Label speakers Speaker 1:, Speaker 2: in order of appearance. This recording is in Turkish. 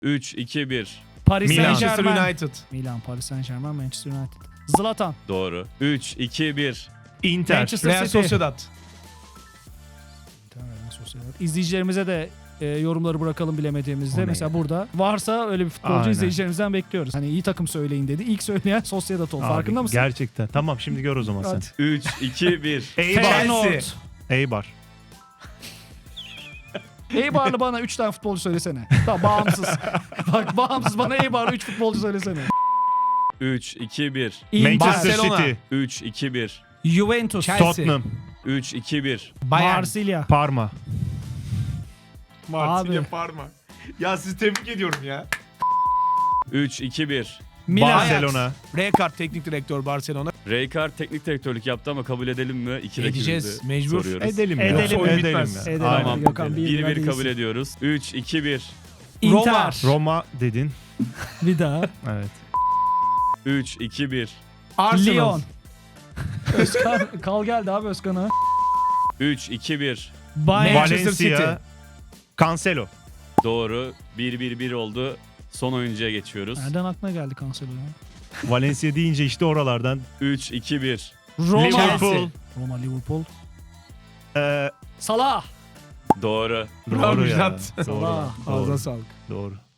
Speaker 1: 3, 2, 1.
Speaker 2: Paris
Speaker 3: Milan.
Speaker 2: Saint
Speaker 4: Manchester
Speaker 2: Germain.
Speaker 4: United.
Speaker 2: Milan, Paris Saint Germain, Manchester United. Zlatan.
Speaker 1: Doğru. 3, 2, 1.
Speaker 3: Inter.
Speaker 2: Manchester
Speaker 4: Real
Speaker 2: City.
Speaker 4: Sociedad.
Speaker 2: İzleyicilerimize de yorumları bırakalım bilemediğimizde.
Speaker 3: O ne
Speaker 2: Mesela
Speaker 3: ya?
Speaker 2: burada varsa öyle bir futbolcu
Speaker 3: Aynen.
Speaker 2: izleyicilerimizden bekliyoruz. Hani iyi takım söyleyin dedi. İlk söyleyen Sociedad oldu. Farkında
Speaker 3: Abi,
Speaker 2: mısın?
Speaker 3: Gerçekten. Tamam şimdi gör o zaman sen.
Speaker 2: Hadi.
Speaker 1: 3, 2, 1.
Speaker 3: Eibar.
Speaker 2: Feyenoord.
Speaker 3: Eibar.
Speaker 2: Eibar'lı bana 3 tane futbolcu söylesene. Tamam bağımsız. Bak bağımsız bana Eibar'lı 3 futbolcu söylesene.
Speaker 1: 3, 2, 1.
Speaker 2: Inter.
Speaker 3: Manchester
Speaker 4: Barcelona.
Speaker 3: City.
Speaker 1: 3, 2, 1.
Speaker 2: Juventus.
Speaker 4: Chelsea.
Speaker 3: Tottenham.
Speaker 1: 3, 2, 1.
Speaker 4: Bayern.
Speaker 2: Marsilya.
Speaker 3: Parma.
Speaker 2: Abi.
Speaker 4: Parma. Ya sizi tebrik ediyorum ya.
Speaker 1: 3, 2, 1.
Speaker 2: Milan.
Speaker 3: Barcelona.
Speaker 4: Rijkaard teknik direktör Barcelona.
Speaker 1: Rijkaard teknik direktörlük yaptı ama kabul edelim mi? 2
Speaker 4: Edeceğiz,
Speaker 1: rakibimizi
Speaker 4: mecbur.
Speaker 1: soruyoruz.
Speaker 3: Edelim ya.
Speaker 2: Edelim.
Speaker 3: Oyun
Speaker 4: Edelim.
Speaker 3: bitmez.
Speaker 2: Edelim.
Speaker 1: Tamam.
Speaker 2: Gökhan,
Speaker 1: 1-1 kabul
Speaker 2: iyisin.
Speaker 1: ediyoruz. 3, 2, 1.
Speaker 2: Inter.
Speaker 3: Roma dedin.
Speaker 2: Bir daha.
Speaker 3: Evet.
Speaker 1: 3, 2, 1.
Speaker 4: Arsenal.
Speaker 2: Lyon. Özkan. Kal geldi abi Özkan'a.
Speaker 1: 3, 2, 1.
Speaker 2: Bayern.
Speaker 4: Manchester City.
Speaker 3: Valencia. Cancelo.
Speaker 1: Doğru. 1-1-1 oldu. Son oyuncuya geçiyoruz.
Speaker 2: Nereden aklına geldi Cancelo ya?
Speaker 3: Valencia deyince işte oralardan.
Speaker 1: 3, 2, 1.
Speaker 2: Roma.
Speaker 3: Liverpool.
Speaker 2: Roma, Liverpool.
Speaker 3: Ee,
Speaker 2: Salah.
Speaker 1: Doğru.
Speaker 3: doğru ya.
Speaker 4: Müjdat.
Speaker 3: Doğru.
Speaker 2: Salah.
Speaker 3: Doğru.
Speaker 4: Ağzına sağlık.
Speaker 3: Doğru.